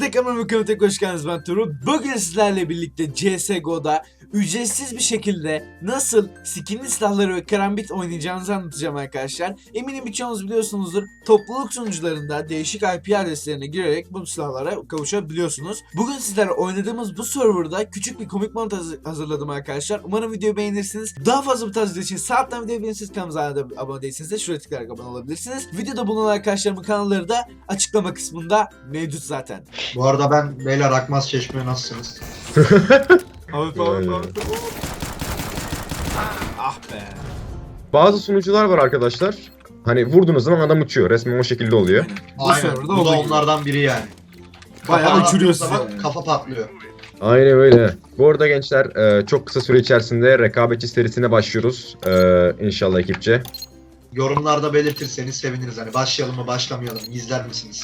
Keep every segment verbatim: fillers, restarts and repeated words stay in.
Herkese kanalıma tek hoş geldiniz, ben Turu. Bugün sizlerle birlikte C S G O'da ücretsiz bir şekilde nasıl skinli silahları ve karambit oynayacağınızı anlatacağım arkadaşlar. Eminim birçoğunuz biliyorsunuzdur. Topluluk sunucularında değişik I P adreslerine girerek bu silahlara kavuşabiliyorsunuz. Bugün sizlerle oynadığımız bu serverda küçük bir komik mod hazırladım arkadaşlar. Umarım videoyu beğenirsiniz. Daha fazla bu tarz video için sağ alttan videoyu beğenirsiniz. Kanalımıza da abone değilseniz de şuraya tıklayarak abone olabilirsiniz. Videoda bulunan arkadaşlarımın kanalları da açıklama kısmında mevcut zaten. Bu arada ben Beyler Akmaz Çeşme, nasılsınız? Abi abi abi. Ah be. Bazı sunucular var arkadaşlar. Hani vurduğunuz zaman adam uçuyor. Resmen o şekilde oluyor. Bu Aynen. serverda Bu da olduğu gibi. onlardan biri yani. Bayağı Kafa uçuruyor attığı zaman sizi yani. Kafa patlıyor. Aynen öyle. Bu arada gençler e, çok kısa süre içerisinde rekabetçi serisine başlıyoruz. E, inşallah ekipçe. Yorumlarda belirtirseniz seviniriz. Hani başlayalım mı başlamayalım mı, izler misiniz?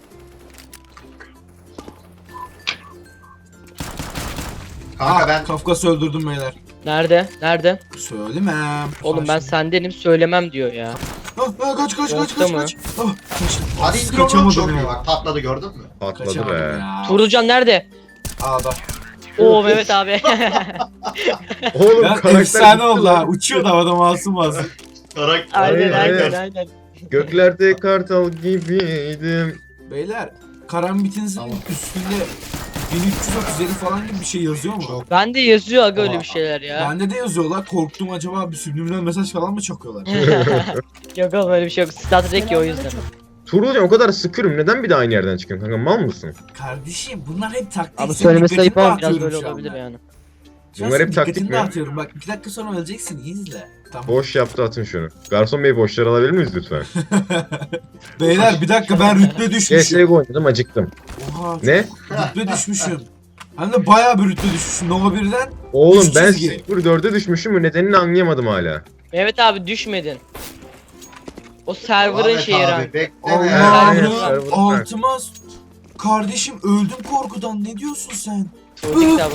Kanka Ah, ben Kafkas öldürdüm beyler. Nerede? Nerede? Söylemem. Oğlum ben sendenim söylemem diyor ya. Ah, ah, kaç kaç kaç Yoksa kaç mı? kaç. Ah, kaçtım. hadi indir onu, Kaçamadım çok iyi ya. bak, patladı, gördün mü? Patladı Kaçamadım be. ya. Tuğrulcan nerede? Ağda. Oo Mehmet abi. Oğlum Ya karakter efsane gitti oldu lan. ha. Uçuyor da havada masum masum. Karakter. aynen Aynen, aynen aynen. aynen. Göklerde kartal gibiydim. Beyler, karambitinizin Tamam. üstünde bin üç yüz otuz yedi falan gibi bir şey yazıyor mu? Çok. Bende yazıyor aga öyle Aa, bir şeyler ya. Bende de yazıyorlar. Korktum, acaba bir subliminal mesaj falan mı çakıyorlar? Yok oğlum öyle bir şey yok. Star Trek ya o yüzden. Tuğrulcan o kadar sıkıyorum. Neden bir de aynı yerden çıkıyorsun kanka? Mal mısın? Kardeşim bunlar hep taktik. Abi Senin söylemesi dikkatini ayıp ama biraz dağıtıyorum böyle şu olabilir anda. yani. Şu an Bunlar senin hep taktik dikkatini mi? dağıtıyorum. Bak iki dakika sonra öleceksin, iyi izle. Tamam. Boş yaptı, atın şunu. Garson bey boşları alabilir miyiz lütfen? Beyler bir dakika, ben rütbe C düşmüşüm. S G O oynadım, acıktım. Oha, Ne? rütbe düşmüşüm. Hem de bayağı bir rütbe düşmüşüm. Nova birden. Oğlum Üç ben çizgi. sıfır dörde düşmüşüm mü? Nedenini anlayamadım hala. Mehmet abi düşmedin. O server'ın Ahmet şeyi abi, rank. bekleme. Allah'ım server altıma s- kardeşim öldüm korkudan, ne diyorsun sen? Çocuk server.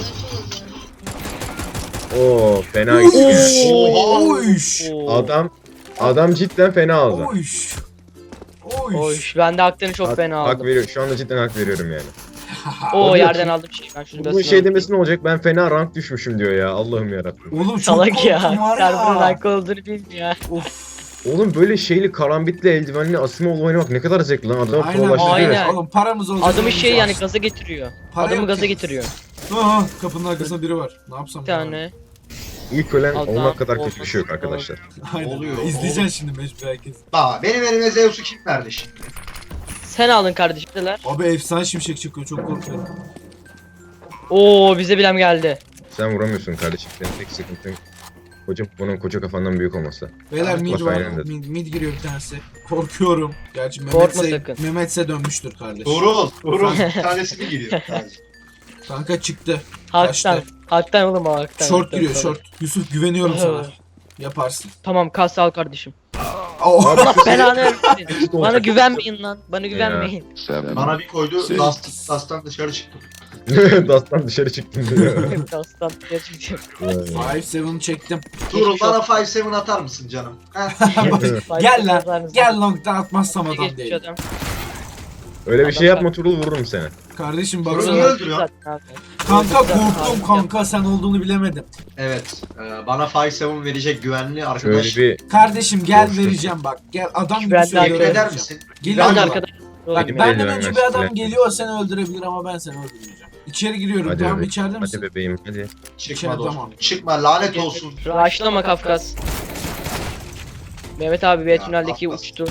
Oo fena Uyş. gitti. Oha. Uyş. Oo. Adam adam cidden fena aldı. Uyş. Uyş. Oyş ben de haklarını çok Hak- fena Hak aldım. veriyorum. Şu anda cidden hak veriyorum yani. Oo Oluyor yerden ki- aldım şey. Ben şunu Bu basın şey alayım. demesi ne olacak? Ben fena rank düşmüşüm diyor ya. Allah'ım yarabbim. Oğlum çok Salak ya. korktum var Server'ın ya. rank olduğunu bilmiyor. Of. Oğlum böyle şeyli karambitli eldivenli Asimov oynamak ne kadar zevkli lan. Adamı Aynen. prolaştırıyor. Aynen. Oğlum paramız olacak. Adamı şey yani oynayacağız. gaza getiriyor. Para Adamı yok gaza ki. getiriyor. Aha, kapının arkasında biri var. Ne yapsam? Bir tane. İlk ölen Allah'ım, olmak kadar kötü olmasın. bir şey yok arkadaşlar. Aynen. Oluyor, İzleyeceksin oğlum. şimdi mecbur herkes. Aa, benim elime Zeus'u kim verdi şimdi? Sen aldın kardeşim neler? Abi efsane şimşek çıkıyor, çok korkuyorum. Oo bize bilem geldi. Sen vuramıyorsun kardeşim. Senin tek sıkıntın koca bunun koca kafandan büyük olması. Beyler Evet, mid bak var. aynen dedim. Mid, mid giriyor bir tanesi. Korkuyorum. Gerçi Korkma Mehmet'se sakın. Mehmet'se dönmüştür kardeş. Tuğrul. Tuğrul. Bir tanesi mi giriyor? sadece? Kanka çıktı. Haktan. Kaçtı. Haktan oğlum haktan. Short haktan, giriyor, tabii. short. Yusuf güveniyorum sana. Evet. Yaparsın. Tamam kas al kardeşim. Oh. Abi, Allah belanı versin. Bana olacak. güvenmeyin lan. Bana güvenmeyin. Bana bir koydu, Şey- Dust, Dust'tan dışarı çıktım. Dastan dışarı çıktın diyor. Kastan gerçekten. beş yedi çektim. Tuğrul Geçmiş bana beş yedi atar mısın canım? Heh. Gel lan. Yazar mısın? Gel long'dan atmazsam adam Geçmiş değil. adam. Öyle bir şey yapma Turul, vururum seni. Kardeşim Tuğrul baksana. niye öldürüyor? Zaten abi. Kanka Öldürdü zaten korktum abi. kanka, sen olduğunu bilemedim. Evet, e, bana beş yedi verecek güvenli Şöyle arkadaş. bir Kardeşim gel Korktum. vereceğim bak. Gel adam gibi Güvenli söylüyorum. Yemin eder vereceğim. misin? Geliyor Ben de adam. arkadaş. Bak Benim benden eldiven önce ver, bir adam silah. geliyor, seni öldürebilir ama ben seni öldürmeyeceğim. İçeri giriyorum, hadi tamam bebeğim. içeride misin? Hadi bebeğim hadi. Çıkma İçeride dostum. tamam. Çıkma, lanet olsun. Raşlama Kafkas. Mehmet abi B Ya, tüneldeki Kafkas. uçtu.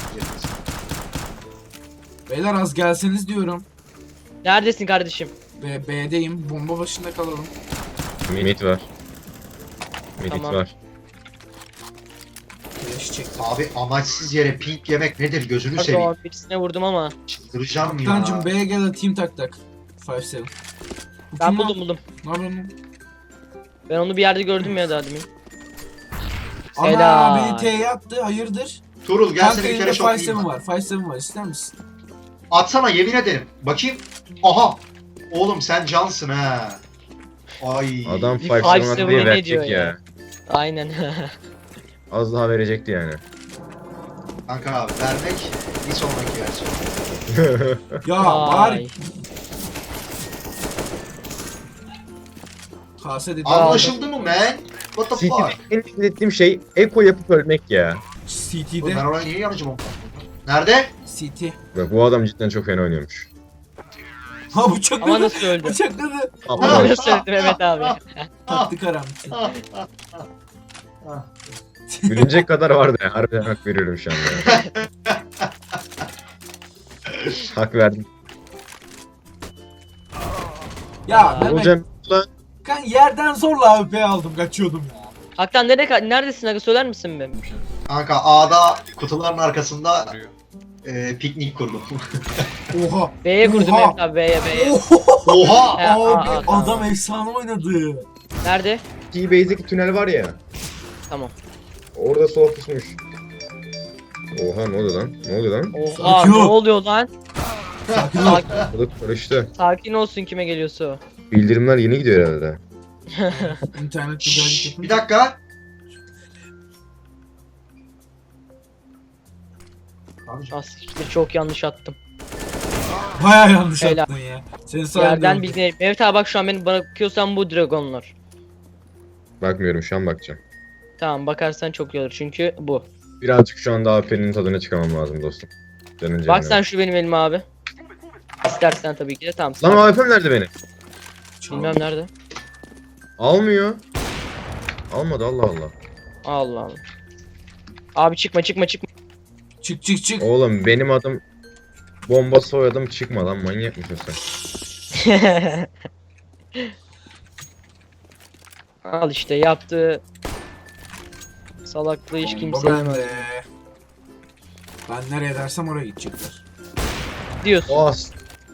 Beyler az gelseniz diyorum. Neredesin kardeşim? B, B'deyim, bomba başında kalalım. Mid var. Mid Tamam. var. Flash çektim. Abi amaçsız yere pink yemek nedir, gözünü seveyim. Pardon birisine vurdum ama. Çıldıracağım ya. Kancım B'ye gel atayım tak tak. beş yedi. Bu Ben kim lan? buldum buldum. Ne yapıyorsun lan? Ben onu bir yerde gördüm ya daha demin. Ana Helal. beni T'ye attı, hayırdır? Tuğrul gel Kanka seni bir elinde kere beş şoklayayım. yedi ben. var, beş yedi var, ister misin? Atsana, yemin ederim. Bakayım. Aha. Oğlum sen cansın ha. Ay. Adam Bir five five seven seven diye ne verecek diyor ya. ya? Aynen. Az daha verecekti yani. Kanka abi, vermek bir sonraki versiyon. Ya bari Ay. Kase dedi. Anlaşıldı mı man? What the fuck? C T'de en nefret ettiğim şey eko yapıp ölmek ya. C Oğlum T'de. ben oraya niye yanıcım o? Nerede? C T. Bak bu adam cidden çok fena oynuyormuş. Ha Ama bıçakladı. nasıl öldü? Bıçakladı. Aptal. Nasıl öldü Mehmet abi? Taktı karambiti. Gülünecek kadar vardı ya. Harbiden hak veriyorum şu anda. Hak verdim. Ya Mehmet, Hocam lan kan yerden zorla A W P aldım, kaçıyordum ya. Haktan nerede neredesin aga, söyler misin be? Kanka A'da kutuların arkasında e, piknik kurdum. Oha. B'ye kurdum Oha. Mehmet abi, B'ye B'ye. Oha. Oha! Ya, aa, Abi aa, tamam. adam efsane oynadı. Nerede? T-Base'deki tünel var ya. Tamam. Orada sol pusmuş. Oha ne oluyor lan? Ne oluyor lan? Oha Sakin ne ol. oluyor lan? Sakin ol. Sakin, Orada karıştı. sakin olsun kime geliyorsa o. Bildirimler yeni gidiyor herhalde. İnternet Şşş, güzellik bir yapın. dakika. Aslında çok yanlış attım. Baya yanlış Helal. attın ya. Senin sayende Yerden oldu. bildiğin. Mehmet abi bak şu an beni bakıyorsan bu dragonlar. Bakmıyorum şu an bakacağım. Tamam bakarsan çok iyi olur çünkü bu. Birazcık şu anda A W P'nin tadına çıkamam lazım dostum. Canın Bak sen şu benim elime abi. İstersen tabii ki de tamam. Lan Lan A W P'm nerede benim? bilmem nerede. Almıyor. Almadı Allah Allah. Allah Allah. Abi çıkma çıkma çıkma. Çık çık çık. Oğlum benim adım bomba soyadım çıkma lan manyak mısın sen? Al işte yaptığı salaklığı hiç kimse Ben yemez de. Ben nereye dersem oraya gidecekler. diyorsun. As.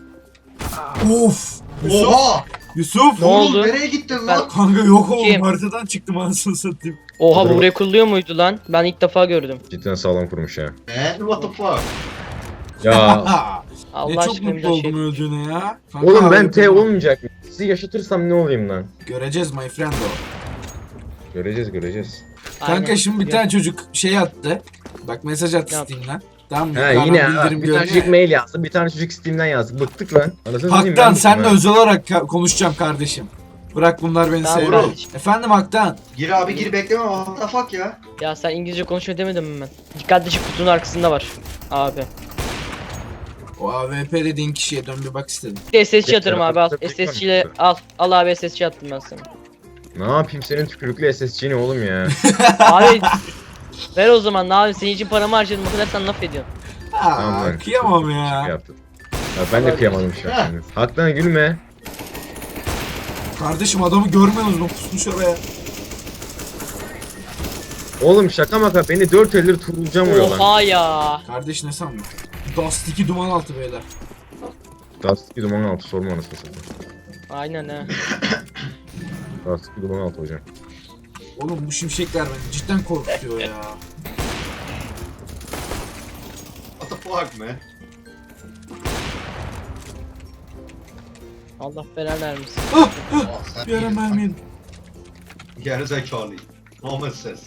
Of. Yusuf. Oha! Yusuf. Ne Oğlum oldu? nereye gittin Ben- lan? Kanka yok oğlum, Kim? haritadan çıktım anasını satayım. Oha bu Dur. buraya kuruluyor muydu lan? Ben ilk defa gördüm. Cidden sağlam kurmuş ya. Man what the fuck? Ya Ha. Allah Ne çok aşkına bir mutlu daha oldum şey. öldüğüne ya. Kanka, oğlum ben harika. T olmayacak mı? Sizi yaşatırsam ne olayım lan? Göreceğiz my friend o. Göreceğiz göreceğiz. Kanka Aynen. şimdi bir tane çocuk şey attı. Bak mesaj attı Ne yaptı? Steam'den. Tamam mı? Ha Yukarıdan yine ha, bildirim bir tane görünüyor çocuk ya. mail yazdı, bir tane çocuk Steam'den yazdı. Bıktık lan. Anasını satayım, Haktan ben senle bıktım ha. özel olarak ka- konuşacağım kardeşim. Bırak bunlar beni Tamam, sevmiyor. kardeşim. Efendim Haktan. Gir abi gir bekleme what the fuck ya? Ya sen İngilizce konuşuyor demedim mi ben? Dikkatli çık, kutunun arkasında var. Abi. O A W P dediğin kişiye dön bir bak istedim. Bir S S C atarım abi al. Tabii, tabii, S S C ile al. Al abi S S C attım ben sana. Ne yapayım senin tükürüklü S S C'ni oğlum ya. Abi ver o zaman, ne yapayım, senin için paramı harcadım o kadar, sen laf ediyorsun. Aa, Tamam lan. kıyamam Şaka ya. yaptım. Ya ben de kıyamadım şu an. Haktan gülme. Kardeşim adamı görmüyorsunuz mu? Pusmuş oraya. Oğlum şaka maka beni dört eldir turulacağım vuruyor lan. Oha ya. Kardeş ne sandın? Dust iki duman altı beyler. Dust iki duman altı sorma anasını satayım. Aynen ha. Dust iki duman altı hocam. Oğlum bu şimşekler beni cidden korkutuyor ya. What the fuck man? Allah belanı vermesin. Aa, sen Bir ara mermi yedim. Gerizekalı. Normal ses.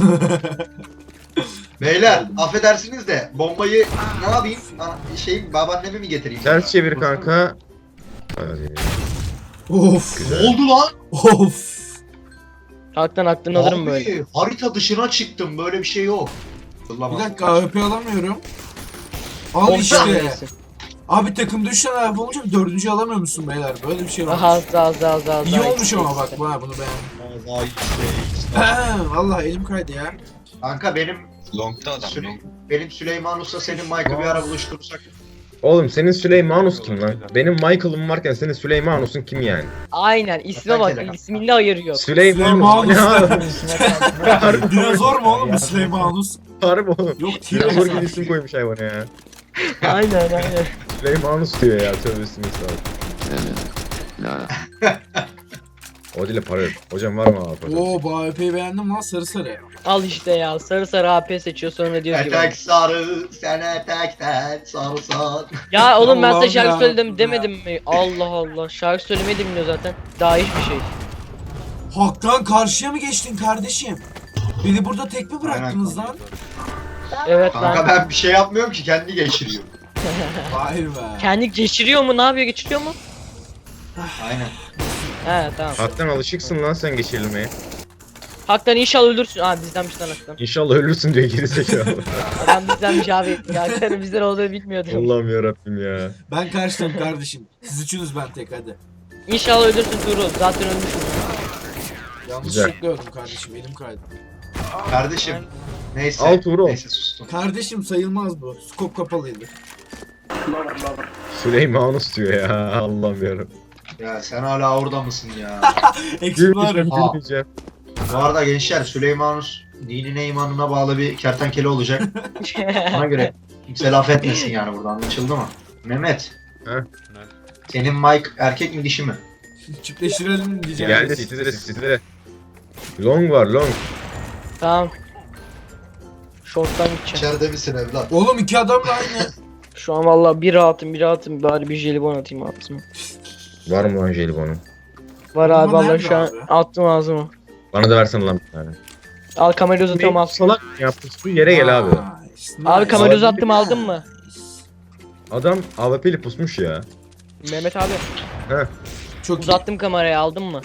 Beyler affedersiniz de bombayı ne yapayım? Aa, şey babaanneme mi getireyim? Ters çevir kanka. Hadi. Of. Ne oldu lan? Of. Haktan aklını alırım böyle. Abi, harita dışına çıktım böyle bir şey yok. Bir dakika A W P alamıyorum. Al On işte. saniyesi. Abi takımda üç tane A W P olunca dördüncü alamıyor musun beyler? Böyle bir şey var. Aha az daha az daha az daha. az İyi daha. olmuş ama bak bana bunu beğendim. Vay be. Vallahi elim kaydı ya. Kanka benim Long'da adam. Süle- Long. benim Süleyman Usta senin Mike'ı bir ara buluşturursak. Oğlum senin Süleymanus kim lan? Benim Michael'ım varken senin Süleymanus'un kim yani? Aynen isme bak, Hakikaten. isminde hayır yok. Süleymanus. Süleymanus. Dinozor mu oğlum bu Süleymanus? Harbi oğlum. Yok Dinozor gibi T-Rex. isim koymuş hayvana ya. Aynen aynen. Süleymanus diyor ya tövbesini estağfurullah. O dile para yok. Hocam var mı abi? Oo bu A W P'yi beğendim lan, sarı sarı. Al işte ya, sarı sarı A P seçiyor sonra diyor gibi. Etek sarı, sen etekten sarısan. Ya oğlum ben size Allah'ım şarkı ya. söyledim demedim mi? Allah Allah, şarkı söylemedim diyor zaten. Daha hiçbir şey. Haktan karşıya mı geçtin kardeşim? Beni burada tek mi bıraktınız lan? Evet Kanka lan. ben bir şey yapmıyorum ki kendi geçiriyor. Vay be. Kendi geçiriyor mu, ne yapıyor, geçiriyor mu? Aynen. He tamam. Haktan alışıksın lan sen geçirilmeye. Haktan inşallah öldürsün. Aa bizdenmiş lan Haktan. İnşallah ölürsün diyor gerizekalı. Adam bizdenmiş abi. Ya Haktan'ın bizden olduğunu bilmiyordum. Allah'ım yarabbim ya. Ben kaçtım kardeşim. Siz üçünüz ben tek hadi. İnşallah öldürsün Tuğrul. Zaten ölmüşüm. Yanlışlıkla öldüm kardeşim elim kaydı. Kardeşim. Neyse. Al Tuğrul. Neyse sustum. Kardeşim sayılmaz bu. Skop kapalıydı. Süleymanus diyor ya. Allah'ım yarabbim. Ya sen hala orada mısın ya? Eksik var ya. Gülmeyeceğim Aa. gülmeyeceğim. Bu arada gençler Süleymanus dinine imanına bağlı bir kertenkele olacak. Ona göre kimse laf etmesin yani burada, anlaşıldı mı? Mehmet. He? Senin Mike erkek mi dişi mi? Çiftleştirelim diyeceğim. Geldi sitlere sitlere. Long var long. Tamam. Short'tan gideceğim. İçeride misin evlat? Oğlum iki adam da aynı. Şu an vallahi bir rahatım bir rahatım. Bari bir jelibon atayım ağzıma. Var mı lan jelibonu? Var Ama abi vallahi nerede şu an abi? attım ağzıma. Bana da versene lan bir tane. Al kamerayı uzatıyorum al. Salak mı yaptın? Şu yere gel abi. Nice, Abi nice. kamerayı Abi, uzattım aldın mı? Adam A W P'li pusmuş ya. Mehmet abi Heh. Çok iyi. uzattım kamerayı aldın mı?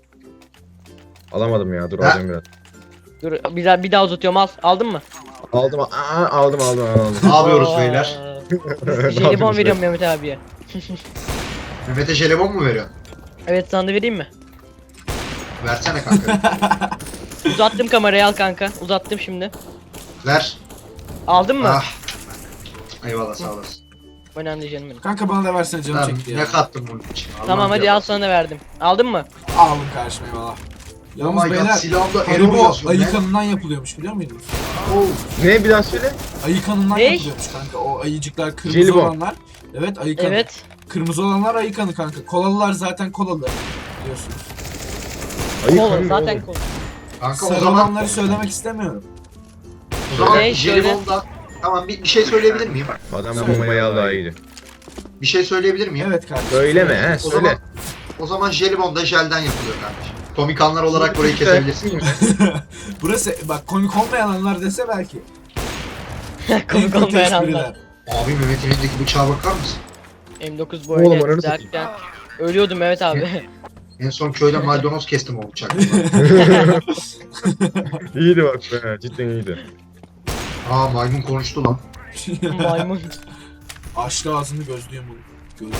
Alamadım ya dur Ha? alacağım biraz. Dur bir daha, bir daha uzatıyorum al. Aldın mı? Aldım aa, aldım aldım aldım. Ne yapıyoruz Aa, beyler? Ne Jelibon yapıyorsun veriyorum Mehmet abiye. Mehmet'e jelibon mu veriyor? Evet sana da vereyim mi? Versene kanka. Uzattım kamerayı al kanka. Uzattım şimdi. Ver. Aldın mı? Ah. Eyvallah sağ olasın. Önemli değil canım benim. Kanka bana da versene canım Lan, çekti ya. ne kattın bunun için? Allah'ım Tamam hadi ya. al sana da verdim. Aldın mı? Alın karşıma eyvallah. Oh Yalnız my god, beyler silahımda Erol Haribo yazıyor. ayı Ne? kanından yapılıyormuş biliyor muydunuz? Oh. Ne bir daha söyle. Ayı kanından Ne? yapılıyormuş kanka. O ayıcıklar kırmızı Jelibon. olanlar. Evet ayı kanı. Evet. Kırmızı olanlar ayı kanı kanka. Kolalılar zaten kolalı. Biliyorsunuz. Ayıp Kola hanım zaten oğlum. kola. Kanka o Sarı zaman olanları söylemek istemiyorum. o zaman Ne, jelibonda tamam bir, bir şey söyleyebilir miyim? Adam bombayı al daha iyiydi. Bir şey söyleyebilir miyim? Evet kardeşim. Söyleme he O söyle. zaman o zaman jelibon da jelden yapılıyor kardeşim. Komikanlar olarak burayı kesebilirsin. Burası bak komik olmayan anlar dese belki. Komik En kötü olmayan anlar. espriler. Abi Mehmet'in elindeki bıçağa bakar mısın? M dokuz Oğlum, böyle ananı satayım. derken ölüyordum Mehmet abi. En son köyde maydanoz kestim o bıçakla. İyiydi bak be cidden iyiydi. Aa maymun konuştu lan. Maymun. Açtı ağzını gözlüğüm bunu. Gözlüğüm.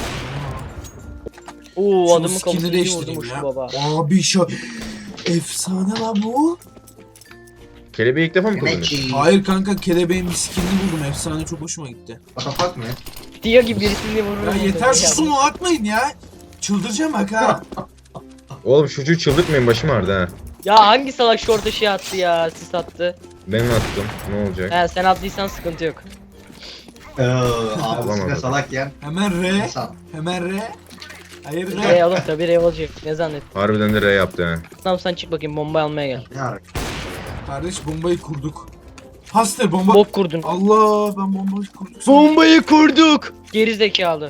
Oo Şunu adamın skin'i kafasını değiştireyim vurdum ya. şu baba. Abi şu efsane lan bu. Kelebeği ilk defa mı kullanıyorsun? Mehmetciğim. Hayır kanka kelebeğin bir skinini buldum. Efsane çok hoşuma gitti. Kapak mı? Diyor gibi birisini vurur. Ya yeter susun o atmayın ya. Çıldıracağım bak ha. Oğlum şu çocuğu çıldırtmayın başım ağrıdı ha. Ya hangi salak short şey attı ya sis attı. Ben attım ne olacak? He sen attıysan sıkıntı yok. Ee, ağzına Alamadım. salak yen. Hemen R. İnsan. Hemen R. Hayır Rey R. oğlum tabi Rey olacak ne zannettin. Harbiden de R yaptı ha. Tamam sen çık bakayım bomba almaya gel. Ne ara? Kardeş bombayı kurduk. Hastır bomba. Bok kurdun. Allah ben bombayı kurduk. Bombayı kurduk. Geri zekalı.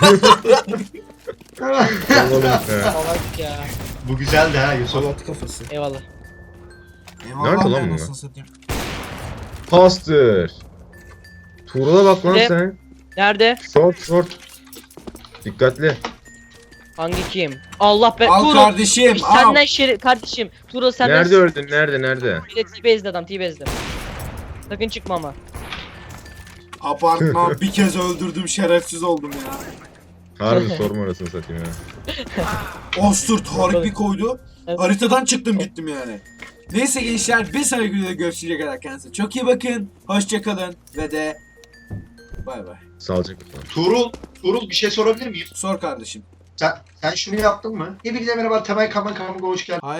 Oğlum ya. Salak ya. Bu güzeldi ha Yusuf. Salat kafası. Eyvallah. Eyvallah Nerede lan ben bunlar? nasıl satayım. Pastır. Tuğrul'a bak lan Ne? sen. Nerede? Short short. Dikkatli. Hangi kim? Allah be. Al Tuğrul. kardeşim al. Senden şeri kardeşim. Tuğrul senden. Nerede öldün? Nerede? Nerede? Bir de T-Base'de adam T-Base'de. Sakın çıkma ama. Apartman bir kez öldürdüm şerefsiz oldum ya. Harbi sorma orasını satayım ya. Osturt harbi koydu. Evet. Haritadan çıktım gittim yani. Neyse gençler bir sonraki videoda görüşecek kadar kendinize çok iyi bakın. Hoşça kalın ve de bay bay. Sağlıcakla. Tuğrul, Tuğrul bir şey sorabilir miyim? Sor kardeşim. Sen sen şunu yaptın mı? Hepinize merhaba Temel Kaman Kaman hoş geldin.